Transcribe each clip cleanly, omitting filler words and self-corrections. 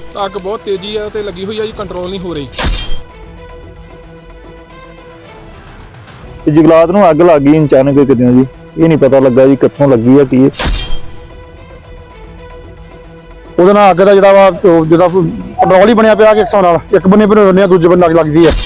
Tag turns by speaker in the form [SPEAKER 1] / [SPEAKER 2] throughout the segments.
[SPEAKER 1] ਅੱਗ ਬਹੁਤ ਤੇਜ਼ੀ ਆ ਤੇ ਲੱਗੀ ਹੋਈ ਆ ਜੀ, ਕੰਟਰੋਲ ਨਹੀਂ ਹੋ ਰਹੀ।
[SPEAKER 2] ਜੰਗਲਾਤ ਨੂੰ ਅੱਗ ਲੱਗ ਗਈ ਅਚਾਨਕ ਕਿਤੇ ਜੀ, ਇਹ ਨਹੀਂ ਪਤਾ ਲੱਗਾ ਜੀ ਕਿੱਥੋਂ ਲੱਗੀ ਆ ਕੀ। ਉਹਦੇ ਨਾਲ ਅੱਗ ਦਾ ਜਿਹੜਾ ਵਾ ਜਿਹਦਾ ਪੈਟਰੋਲ ਹੀ ਬਣਿਆ ਪਿਆ ਕਿ ਹਿਸਾਬ ਨਾਲ ਇੱਕ ਬੰਨੇ ਬਣਾਉਂਦੇ ਆ ਦੂਜੇ ਬੰਨੇ ਅੱਗ ਲੱਗਦੀ ਆ।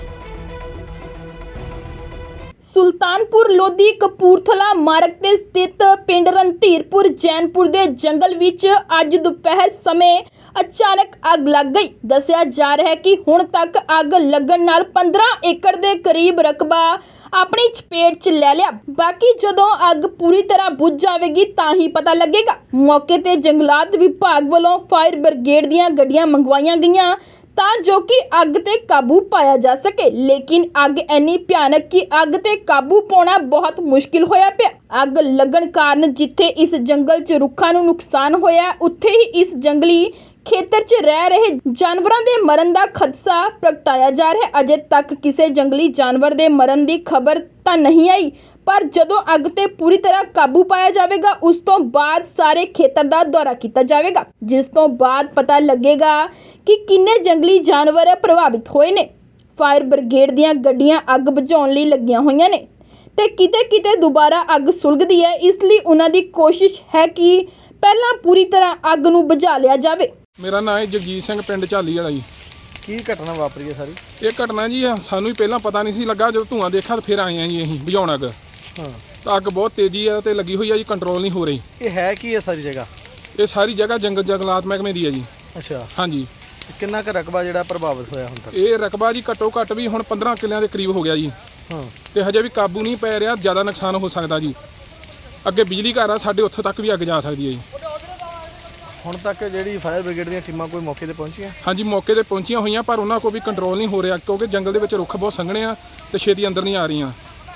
[SPEAKER 3] ਸੁਲਤਾਨਪੁਰ ਲੋਧੀ ਕਪੂਰਥਲਾ ਮਾਰਗ ਤੇ ਸਥਿਤ ਪਿੰਡ ਰਣਧੀਰਪੁਰ ਜੈਨਪੁਰ ਦੇ ਜੰਗਲ ਵਿੱਚ ਅੱਜ ਦੁਪਹਿਰ ਸਮੇਂ ਅਚਾਨਕ ਅੱਗ ਲੱਗ ਗਈ। ਦੱਸਿਆ ਜਾ ਰਿਹਾ ਹੈ ਕਿ ਹੁਣ ਤੱਕ ਅੱਗ ਲੱਗਣ ਨਾਲ 15 ਏਕੜ ਦੇ ਕਰੀਬ ਰਕਬਾ ਆਪਣੀ ਚਪੇਟ 'ਚ ਲੈ ਲਿਆ। ਬਾਕੀ ਜਦੋਂ ਅੱਗ ਪੂਰੀ ਤਰ੍ਹਾਂ ਬੁਝ ਜਾਵੇਗੀ ਤਾਂ ਹੀ ਪਤਾ ਲੱਗੇਗਾ। ਮੌਕੇ ਤੇ ਜੰਗਲਾਤ ਵਿਭਾਗ ਵੱਲੋਂ ਫਾਇਰ ਬ੍ਰਿਗੇਡ ਦੀਆਂ ਗੱਡੀਆਂ ਮੰਗਵਾਈਆਂ ਗਈਆਂ ਤਾਂ ਜੋ ਕਿ ਅੱਗ ਤੇ ਕਾਬੂ ਪਾਇਆ ਜਾ ਸਕੇ, ਲੇਕਿਨ ਅੱਗ ਇੰਨੀ ਭਿਆਨਕ ਕਿ ਅੱਗ ਤੇ ਕਾਬੂ ਪਾਉਣਾ ਬਹੁਤ ਮੁਸ਼ਕਿਲ ਹੋਇਆ ਪਿਆ। ਅੱਗ ਲੱਗਣ ਕਾਰਨ ਜਿੱਥੇ ਇਸ ਜੰਗਲ 'ਚ ਰੁੱਖਾਂ ਨੂੰ ਨੁਕਸਾਨ ਹੋਇਆ, ਉੱਥੇ ਹੀ ਇਸ ਜੰਗਲੀ ਖੇਤਰ 'ਚ ਰਹਿ ਰਹੇ ਜਾਨਵਰਾਂ ਦੇ ਮਰਨ ਦਾ ਖਦਸ਼ਾ ਪ੍ਰਗਟਾਇਆ ਜਾ ਰਿਹਾ ਹੈ। ਅਜੇ ਤੱਕ ਕਿਸੇ ਜੰਗਲੀ ਜਾਨਵਰ ਦੇ ਮਰਨ ਦੀ ਖਬਰ ਤਾਂ ਨਹੀਂ ਆਈ, ਪਰ ਜਦੋਂ ਅੱਗ ਤੇ ਪੂਰੀ ਤਰ੍ਹਾਂ ਕਾਬੂ ਪਾਇਆ ਜਾਵੇਗਾ ਉਸ ਤੋਂ ਬਾਅਦ ਸਾਰੇ ਖੇਤਰ ਦਾ ਦੌਰਾ ਕੀਤਾ ਜਾਵੇਗਾ, ਜਿਸ ਤੋਂ ਬਾਅਦ ਪਤਾ ਲੱਗੇਗਾ ਕਿ ਕਿੰਨੇ ਜੰਗਲੀ ਜਾਨਵਰ ਪ੍ਰਭਾਵਿਤ ਹੋਏ ਨੇ। ਫਾਇਰ ਬ੍ਰਿਗੇਡ ਦੀਆਂ ਗੱਡੀਆਂ ਅੱਗ ਬੁਝਾਉਣ ਲਈ ਲੱਗੀਆਂ ਹੋਈਆਂ ਨੇ ਤੇ ਕਿਤੇ ਦੁਬਾਰਾ ਅੱਗ ਸੁਲਗਦੀ ਹੈ, ਇਸ ਲਈ ਉਹਨਾਂ ਦੀ ਕੋਸ਼ਿਸ਼ ਹੈ ਕਿ ਪਹਿਲਾਂ ਪੂਰੀ ਤਰ੍ਹਾਂ ਅੱਗ ਨੂੰ ਬੁਝਾ ਲਿਆ ਜਾਵੇ।
[SPEAKER 1] ਮੇਰਾ ਨਾਮ ਹੈ ਜਗਜੀਤ ਸਿੰਘ, ਪਿੰਡ ਝਾਲੀ ਵਾਲਾ ਜੀ।
[SPEAKER 4] ਕੀ ਘਟਨਾ ਵਾਪਰੀ ਹੈ ਸਾਰੀ?
[SPEAKER 1] ਇਹ ਘਟਨਾ ਜੀ ਸਾਨੂੰ ਹੀ ਪਹਿਲਾਂ ਪਤਾ ਨਹੀਂ ਸੀ ਲੱਗਾ, ਜਦੋਂ ਧੂੰਆਂ ਦੇਖਿਆ ਤਾਂ ਫਿਰ ਆਏ ਆ ਜੀ ਅਸੀਂ ਬੁਝਾਉਣ ਅੱਗ। ਤਾਂ ਅੱਗ ਬਹੁਤ ਤੇਜ਼ੀ ਆ ਤੇ ਲੱਗੀ ਹੋਈ ਆ ਜੀ, ਕੰਟਰੋਲ ਨਹੀਂ ਹੋ ਰਹੀ।
[SPEAKER 4] ਇਹ ਹੈ ਕੀ ਹੈ ਸਾਰੀ ਜਗ੍ਹਾ?
[SPEAKER 1] ਇਹ ਸਾਰੀ ਜਗ੍ਹਾ ਜੰਗਲਾਤ ਮਹਿਕਮੇ ਦੀ ਹੈ ਜੀ।
[SPEAKER 4] ਅੱਛਾ,
[SPEAKER 1] ਹਾਂਜੀ।
[SPEAKER 4] ਕਿੰਨਾ ਕੁ ਰਕਬਾ ਜਿਹੜਾ ਪ੍ਰਭਾਵਿਤ ਹੋਇਆ ਹੁਣ ਤੱਕ?
[SPEAKER 1] ਇਹ ਰਕਬਾ ਜੀ ਘੱਟੋ ਘੱਟ ਵੀ ਹੁਣ 15 ਕਿੱਲਿਆਂ ਦੇ ਕਰੀਬ ਹੋ ਗਿਆ ਜੀ। ਤੇ ਹਜੇ ਵੀ ਕਾਬੂ ਨਹੀਂ ਪੈ ਰਿਹਾ, ਜ਼ਿਆਦਾ ਨੁਕਸਾਨ ਹੋ ਸਕਦਾ ਜੀ। ਅੱਗੇ ਬਿਜਲੀ ਘਰ ਆ ਸਾਡੇ, ਉੱਥੋਂ ਤੱਕ ਵੀ ਅੱਗ ਜਾ ਸਕਦੀ ਹੈ ਜੀ।
[SPEAKER 4] ਹੁਣ ਤੱਕ ਜਿਹੜੀ ਫਾਇਰ ਬ੍ਰਿਗੇਡ ਦੀਆਂ ਟੀਮਾਂ ਕੋਈ ਮੌਕੇ ਤੇ ਪਹੁੰਚੀਆਂ?
[SPEAKER 1] ਹਾਂਜੀ, ਮੌਕੇ ਤੇ ਪਹੁੰਚੀਆਂ ਹੋਈਆਂ, ਪਰ ਉਹਨਾਂ ਕੋਲ ਵੀ ਕੰਟਰੋਲ ਨਹੀਂ ਹੋ ਰਿਹਾ ਕਿਉਂਕਿ ਜੰਗਲ ਦੇ ਵਿੱਚ ਰੁੱਖ ਬਹੁਤ ਸੰਘਣੇ ਆ ਤੇ ਛੇਤੀ ਅੰਦਰ ਨਹੀਂ ਆ ਰਹੀਆਂ।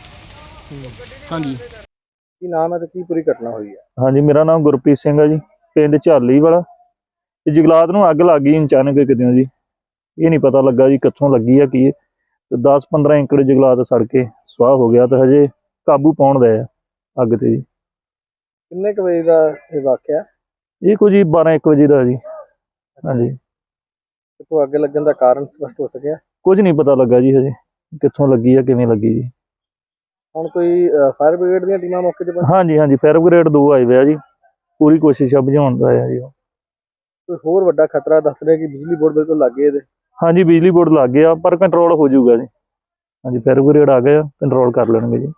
[SPEAKER 1] ਹਾਂਜੀ।
[SPEAKER 4] ਕੀ ਨਾਮ ਹੈ ਤੇ ਕੀ ਪੂਰੀ ਘਟਨਾ ਹੋਈ ਹੈ?
[SPEAKER 2] ਹਾਂਜੀ, ਮੇਰਾ ਨਾਮ ਗੁਰਪ੍ਰੀਤ ਸਿੰਘ ਹੈ ਜੀ, ਪਿੰਡ ਝਾਲੀ ਵਾਲਾ। ਤੇ ਜੰਗਲਾਤ ਨੂੰ ਅੱਗ ਲੱਗ ਗਈ ਅਚਾਨਕ ਕਿਤੇ ਜੀ, ਇਹ ਨਹੀਂ ਪਤਾ ਲੱਗਾ ਜੀ ਕਿੱਥੋਂ ਲੱਗੀ ਆ ਕੀ। ਤੇ 10-15 ਏਕੜ ਜੰਗਲਾਤ ਸੜ ਕੇ ਸੁਆਹ ਹੋ ਗਿਆ ਤੇ ਹਜੇ ਕਾਬੂ ਪਾਉਣ ਦਾ ਆ ਅੱਗ ਤੇ ਜੀ।
[SPEAKER 4] ਕਿੰਨੇ ਕੁ ਵਜੇ ਦਾ ਇਹ ਵਾਕਿਆ?
[SPEAKER 2] ਇਹ ਕੁਝ 12-1 ਵਜੇ ਦਾ ਜੀ। ਹਾਂਜੀ।
[SPEAKER 4] ਕਿਤੋਂ ਅੱਗ ਲੱਗਣ ਦਾ ਕਾਰਨ ਸਪਸ਼ਟ ਹੋ ਸਕਿਆ?
[SPEAKER 2] ਕੁਝ ਨਹੀਂ ਪਤਾ ਲੱਗਾ ਜੀ ਹਜੇ ਕਿੱਥੋਂ ਲੱਗੀ ਆ ਕਿਵੇਂ ਲੱਗੀ ਜੀ।
[SPEAKER 4] ਹੁਣ ਕੋਈ ਫਾਇਰ ਬ੍ਰਿਗੇਡ ਦੀਆਂ ਟੀਮਾਂ ਮੌਕੇ ਤੇ ਪਹੁੰਚੀਆਂ?
[SPEAKER 2] ਹਾਂਜੀ, ਫਾਇਰ ਬ੍ਰਿਗੇਡ 2 ਆਏ ਹੋਏ ਆ ਜੀ, ਪੂਰੀ ਕੋਸ਼ਿਸ਼ ਆ ਬੁਝਾਉਣ ਦਾ ਆ ਜੀ।
[SPEAKER 4] ਕੋਈ ਹੋਰ ਵੱਡਾ ਖਤਰਾ ਦੱਸ ਰਿਹਾ ਕਿ ਬਿਜਲੀ ਬੋਰਡ ਬਿਲਕੁਲ ਲੱਗੇ ਇਹਦੇ?
[SPEAKER 2] ਹਾਂਜੀ, ਬਿਜਲੀ ਬੋਰਡ ਲੱਗ ਗਿਆ ਪਰ ਕੰਟਰੋਲ ਹੋ ਜਾਊਗਾ ਜੀ। ਹਾਂਜੀ, ਫਾਇਰ ਬ੍ਰਿਗੇਡ ਆ ਗਏ, ਕੰਟਰੋਲ ਕਰ ਲੈਣਗੇ ਜੀ।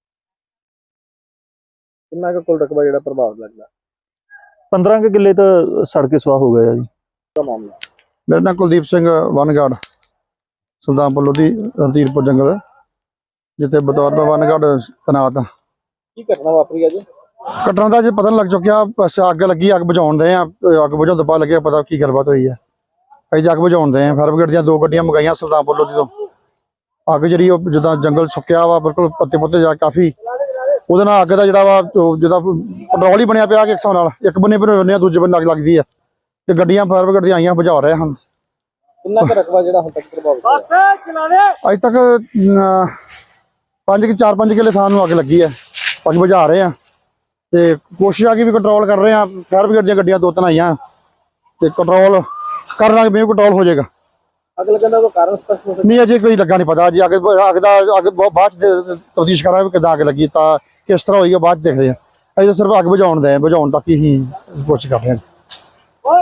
[SPEAKER 4] ਕਿੰਨਾ ਕੁ ਕੁੱਲ ਰਕਬਾ ਜਿਹੜਾ ਪ੍ਰਭਾਵਿਤ ਲੱਗਦਾ?
[SPEAKER 2] 15 ਕਿੱਲੇ ਤਾਂ ਸੜ ਕੇ ਸੁਆਹ ਹੋ ਗਿਆ ਜੀ।
[SPEAKER 4] ਮਾਮਲਾ?
[SPEAKER 5] ਮੇਰਾ ਨਾਮ ਕੁਲਦੀਪ ਸਿੰਘ, ਵਨਗਾਰਡ, ਸੁਲਤਾਨਪੁਰ ਲੋਧੀ ਰਣਧੀਰਪੁਰ ਜੰਗਲ, ਜਿੱਥੇ ਬਤੌਰ ਮੈਂ ਵਨਗਾਰਡ ਤੈਨਾਤ।
[SPEAKER 4] ਕੀ ਘਟਨਾ ਵਾਪਰੀ ਅੱਜ?
[SPEAKER 5] ਘਟਨਾ ਦਾ ਜੇ ਪਤਾ ਨਹੀਂ ਲੱਗ ਚੁੱਕਿਆ, ਬਸ ਅੱਗ ਲੱਗੀ, ਅੱਗ ਬੁਝਾਉਣ ਦੇ ਆ। ਅੱਗ ਬੁਝਾਉਣ ਤੋਂ ਬਾਅਦ ਲੱਗਿਆ ਪਤਾ ਕੀ ਗੱਲਬਾਤ ਹੋਈ ਹੈ। ਅਸੀਂ ਅੱਗ ਬੁਝਾਉਣ ਦੇ ਆ, ਫਾਇਰ ਬ੍ਰਿਗੇਡ ਦੀਆਂ 2 ਗੱਡੀਆਂ ਮੰਗਾਈਆਂ ਸੁਲਤਾਨਪੁਰ ਲੋਧੀ ਤੋਂ। ਅੱਗ ਜਿਹੜੀ ਉਹ ਜਿੱਦਾਂ ਜੰਗਲ ਸੁੱਕਿਆ ਵਾ ਬਿਲਕੁਲ, ਪੱਤੇ ਪੁੱਤੇ ਜਾ ਕਾਫੀ, ਉਹਦੇ ਨਾਲ ਅੱਗ ਦਾ ਜਿਹੜਾ ਵਾ ਜਿਹਦਾ ਪੈਟਰੋਲ ਹੀ ਬਣਿਆ ਪਿਆ ਕਿ ਹਿਸਾਬ ਨਾਲ ਇੱਕ ਬੰਨੇ ਬਣਾਉਂਦੇ ਆ ਦੂਜੇ ਬੰਨੇ ਅੱਗ ਲੱਗਦੀ ਆ। ਤੇ ਗੱਡੀਆਂ ਫਾਇਰ ਬ੍ਰਿਗੇਡ ਦੀਆਂ ਆਈਆਂ, ਬੁਝਾ ਰਹੇ ਹਨ।
[SPEAKER 4] ਕਿੰਨਾ ਕੁ ਰਕਬਾ ਜਿਹੜਾ ਹੁਣ ਤੱਕ ਪ੍ਰਭਾਵਿਤ ਹੋਇਆ?
[SPEAKER 5] ਅੱਜ ਤੱਕ 4-5 ਕਿੱਲੇ ਥਾਂ ਨੂੰ ਅੱਗ ਲੱਗੀ ਹੈ। ਅੱਗ ਬੁਝਾ ਰਹੇ ਆ ਤੇ ਕੋਸ਼ਿਸ਼ ਆ ਕਿ ਵੀ ਕੰਟਰੋਲ ਕਰ ਰਹੇ ਆ। ਫਾਇਰ ਬ੍ਰਿਗੇਡ ਦੀਆਂ ਗੱਡੀਆਂ 2-3 ਆਈਆਂ ਤੇ ਕੰਟਰੋਲ ਕਰ ਲਾਂਗੇ, ਵੀ ਕੰਟਰੋਲ ਹੋ ਜਾਏਗਾ।
[SPEAKER 4] ਅੱਗ ਲੱਗਣ ਦਾ ਕੋਈ ਕਾਰਨ ਸਪਸ਼ਟ ਹੋ ਸਕਿਆ?
[SPEAKER 5] ਨਹੀਂ, ਅਜੇ ਕੋਈ ਲੱਗਾ ਨਹੀਂ ਪਤਾ ਜੀ। ਅੱਗ ਬਾਅਦ ਚ ਤਫਤੀਸ਼ ਕਰਾਂਗੇ ਕਿੱਦਾਂ ਅੱਗ ਲੱਗੀ, ਤਾਂ ਕਿਸ ਤਰ੍ਹਾਂ ਹੋਈ ਬਾਅਦ ਚ ਦੇਖਦੇ ਆ। ਅਜੇ ਸਿਰਫ ਅੱਗ ਬੁਝਾਉਣ ਤੱਕ ਹੀ ਕੋਸ਼ਿਸ਼ ਕਰ ਰਹੇ ਹਾਂ।